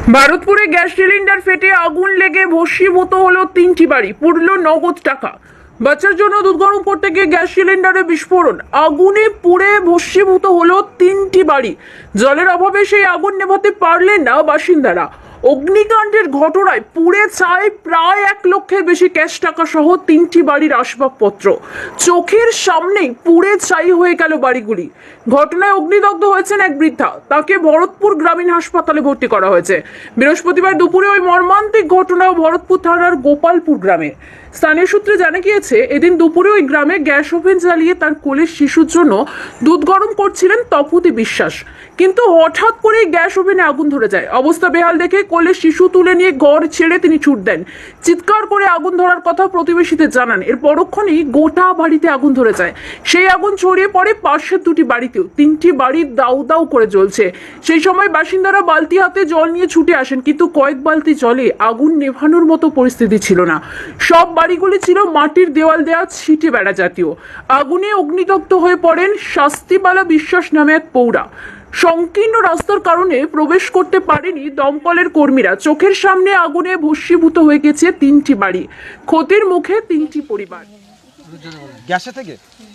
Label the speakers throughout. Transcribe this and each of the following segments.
Speaker 1: ভারতপুরে gas cylinder ফেটে আগুন লেগে ভস্মীভূত হলো 3টি বাড়ি, পুড়ল নগদ টাকা। বাচ্চার জন্য দুধ গরম করতে গিয়ে গ্যাস সিলিন্ডারে বিস্ফোরণ, আগুনে পুড়ে ভস্মীভূত হলো 3টি বাড়ি। জলের অভাবে সেই আগুন নেভাতে পারলেন না বাসিন্দারা। অগ্নিকাণ্ডের ঘটনায় পুড়ে ছাই প্রায় 1 লক্ষের বেশি ক্যাশ টাকা সহ 3টি বাড়ির আসবাবপত্র। চোখের সামনেই পুড়ে ছাই হয়ে গেল বাড়িগুলি। ঘটনায় অগ্নিদগ্ধ হয়েছেন এক বৃদ্ধা, তাকে ভরতপুর গ্রামীণ হাসপাতালে ভর্তি করা হয়েছে। বৃহস্পতিবার দুপুরে ওই মর্মান্তিক ঘটনা ভরতপুর থানার গোপালপুর গ্রামে। স্থানীয় সূত্রে জানা গিয়েছে, এদিন দুপুরে ওই গ্রামে গ্যাস ওভেন জ্বালিয়ে তার কোলের শিশুর জন্য দুধ গরম করছিলেন তপতি বিশ্বাস। কিন্তু হঠাৎ করে গ্যাস ওভেনে আগুন ধরে যায়। অবস্থা বেহাল দেখে কোলের শিশু তুলে নিয়ে ঘর ছেড়ে তিনি ছুট দেন। চিৎকার করে আগুন ধরার কথা প্রতিবেশীদের জানান। এর পরক্ষণেই গোটা বাড়িতে আগুন ধরে যায়। সেই আগুন ছড়িয়ে পড়ে পাশের 2টি বাড়িতেও। 3টি বাড়ি দাউ দাউ করে জ্বলছে। সেই সময় বাসিন্দারা বালতি হাতে জল নিয়ে ছুটে আসেন, কিন্তু কয়েক বালতি জলে আগুন নেভানোর মতো পরিস্থিতি ছিল না। সব বাড়িগুলি ছিল মাটির দেওয়াল দেওয়া ছিটে বেড়া জাতীয়। আগুনে অগ্নিদগ্ধ হয়ে পড়েন শাস্তিবালা বিশ্বাস নামে এক পৌরা। সংকীর্ণ রাস্তার কারণে প্রবেশ করতে পারেনি দমকলের কর্মীরা। চোখের সামনে আগুনে ভস্মীভূত হয়ে গেছে 3টি বাড়ি। ক্ষতির মুখে 3টি পরিবার।
Speaker 2: গ্যাসে থেকে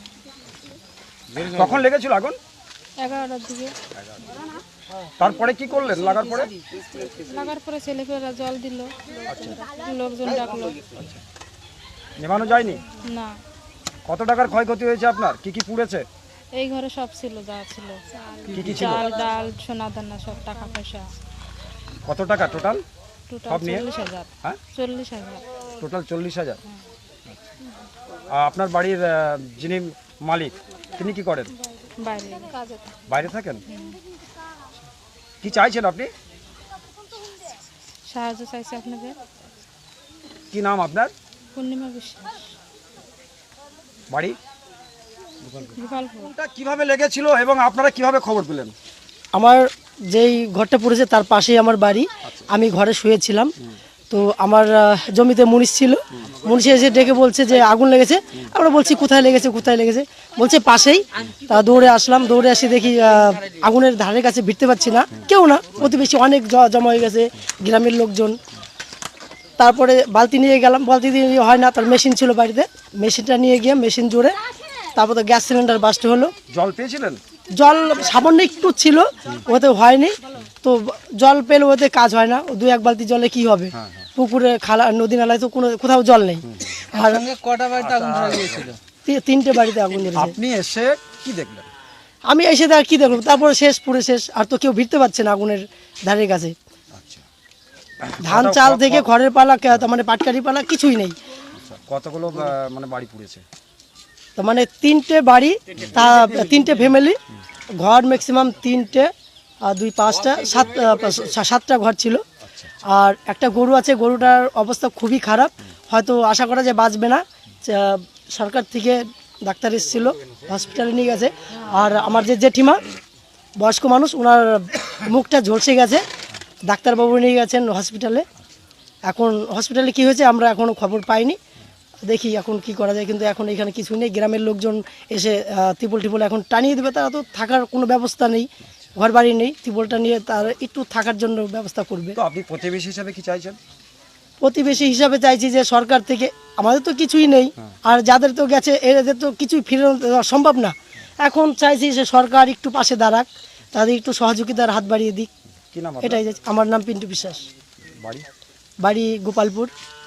Speaker 2: কখন লেগেছিল আগুন?
Speaker 3: 11টার দিকে।
Speaker 2: তারপরে কি করলেন? লাগার পরে
Speaker 3: ছেলেপেলেরা জল দিল, লোকজন ডাকলো।
Speaker 2: নেভানো যায়নি?
Speaker 3: না।
Speaker 2: কত টাকার ক্ষয়ক্ষতি হয়েছে আপনার? কি কি পুড়েছে?
Speaker 3: এই ঘরে সব ছিল, যা ছিল,
Speaker 2: কি কি ছিল?
Speaker 3: চাল, ডাল, সোনা দানা, সব টাকা পয়সা।
Speaker 2: কত টাকা টোটাল?
Speaker 3: টোটাল
Speaker 2: সব নিয়ে?
Speaker 3: 40,000।
Speaker 2: হ্যাঁ,
Speaker 3: 40,000।
Speaker 2: টোটাল 40,000। আপনার বাড়ির যিনি মালিক, তিনি কি করেন?
Speaker 3: বাইরে কাজে।
Speaker 2: বাইরে থাকেন? কি চাইছেন আপনি?
Speaker 3: সাহায্য চাইছে আপনাকে।
Speaker 2: কি নাম আপনার?
Speaker 3: পূর্ণিমা বিশ্বাস।
Speaker 2: বাড়ি
Speaker 3: গোপালপুর।
Speaker 2: কিভাবে লেগেছিল এবং আপনারা কিভাবে খবর পেলেন?
Speaker 4: আমার যেই ঘরটা পড়েছে তার পাশেই আমার বাড়ি। আমি ঘরে শুয়েছিলাম, তো আমার জমিতে মুনিশ ছিল। মুনিশ এসে ডেকে বলছে যে আগুন লেগেছে। আমরা বলছি কোথায় লেগেছে, কোথায় লেগেছে? বলছে পাশেই। তা দৌড়ে আসলাম, দৌড়ে আসি দেখি আগুনের ধারের কাছে ভিড়তে পারছি না, কেউ না, প্রতিবেশী অনেক জমা হয়ে গেছে, গ্রামের লোকজন। তারপরে বালতি নিয়ে গেলাম, বালতি দিয়ে হয় না, তার মেশিন ছিল বাড়িতে, মেশিনটা নিয়ে গিয়ে মেশিন জুড়ে তারপর তো গ্যাস সিলিন্ডার বাস্ট হলো।
Speaker 2: জল পেয়েছিলেন?
Speaker 4: জল সামান্য একটু ছিল, ওতে হয়নি। তো জল পেলে ওতে কাজ হয় না, 2-1 বালতি জলে কি হবে? পুকুরে, খালা, নদী নালায় তো কোথাও জল নেই। আর
Speaker 5: কটা বাড়িতে আগুন ধরে গিয়েছিল?
Speaker 4: 3টে বাড়িতে আগুন ধরেছে।
Speaker 2: আপনি এসে কি দেখলেন?
Speaker 4: আমি এসে তার কি দেখলাম, তারপরে শেষ, পুরে শেষ। আর তো কেউ ভিড়তে পারছে না আগুনের ধারের কাছে। ধান চাল থেকে ঘরের পালা, মানে পাটকারি পালা কিছুই নেই।
Speaker 2: কতগুলো মানে বাড়ি পুড়েছে?
Speaker 4: তো মানে 3টে বাড়ি, তা 3টে ফ্যামিলি, ঘর ম্যাক্সিমাম 3টে, আর 2-5টা 7টা ঘর ছিল। আর একটা গরু আছে, গরুটার অবস্থা খুবই খারাপ, হয়তো আশা করা যায় বাঁচবে না। সরকার থেকে ডাক্তার এসেছিল, হসপিটালে নিয়ে গেছে। আর আমার যে জেঠিমা, বয়স্ক মানুষ, ওনার মুখটা ঝলসে গেছে, ডাক্তারবাবু নিয়ে গেছেন হসপিটালে। এখন হসপিটালে কি হয়েছে আমরা এখনও খবর পাইনি, দেখি এখন কি করা যায়। কিন্তু এখন এখানে কিছুই নেই, গ্রামের লোকজন এসে ত্রিপল এখন টানিয়ে দেবে। তারা তো থাকার কোনো ব্যবস্থা নেই, ঘর বাড়ি নেই, ত্রিপলটা নিয়ে তার একটু থাকার জন্য ব্যবস্থা করবে।
Speaker 2: তো আপনি প্রতিবেশী হিসাবে কি চাইছেন?
Speaker 4: প্রতিবেশী হিসাবে চাইছি যে সরকার থেকে, আমাদের তো কিছুই নেই, আর যাদের তো গেছে এদের তো কিছুই ফিরে দেওয়া সম্ভব না। এখন চাইছি যে সরকার একটু পাশে দাঁড়াক, তাদের একটু সহযোগিতার হাত বাড়িয়ে দিক।
Speaker 2: কি নাম?
Speaker 4: এটাই আমার নাম পিন্টু বিশ্বাস,
Speaker 2: বাড়ি
Speaker 4: বাড়ি গোপালপুর।